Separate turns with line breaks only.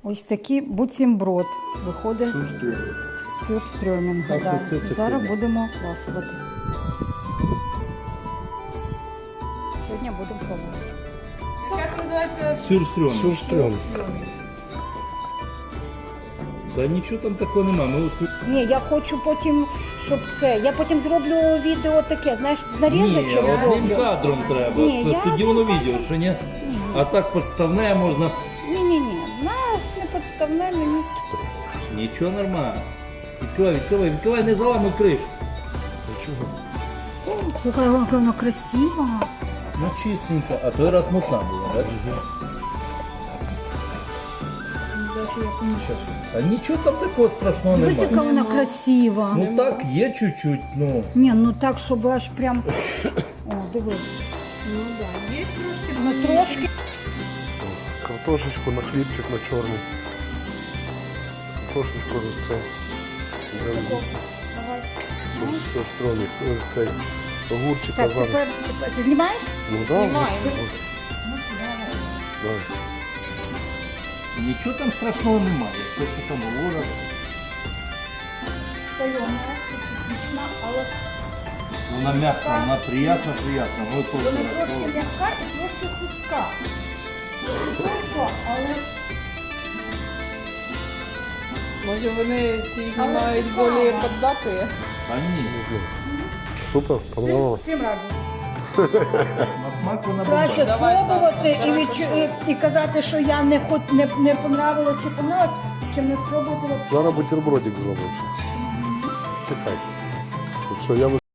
Ось такий буцімброд виходить з сюрстрьомінга.
Так,
Да.
оце таке,
Зараз
да.
будемо ласувати. Сьогодні будемо пробувати.
Як називається?
Сюрстрьом.
Сюрстрьом.
Та нічого там такого немає. Ми от...
Ні, я хочу потім, щоб це. Я потім зроблю відео таке, знаєш, з
Ні,
нарізочок
одним
зроблю.
кадром треба.
Ні,
Це
я
тоді воно
одним
відео, що ні? А так підставне можна.
Ні. Нас не підставне мені.
Нічого нормально. Відкривай, не заламуй кришу.
Слухай, вона красива.
Ну чистенько, а той раз мутна була, бачиш? А нічого там такого страшного
Дивись, яка
немає.
вона красива.
Ну так, є чуть-чуть, ну.
Ні, ну так, щоб аж прям. О, дивись.
Ну так, є трошки.
Ну трошки.
Картошечку на хлібчик на чорний. Картошечку ось цей.
Давай.
Сюрстромик. Ось цей. Огурчик
Так,
зараз.
тепер ти знімаєш?
Ну так.
Знімаю.
Нічого там страшного немає. Те, що там говорять.
Смачна, але
Вона м'яка, вона приятна. Ось
вона трошки м'яка і трошки хрустка. Хорошо, але
Може вони ці
Але
знімають
цікаво.
більш поддатые?
Та ні.
Супер, понравилось.
всім раді.
На смак вона
Краще
бомба.
Давай,
спробувати
Саша,
і,
давай,
і казати, що я не понравилось чи понравилось, чим не спробувати.
Зараз бутербродик зробимо. Чекай. Все, я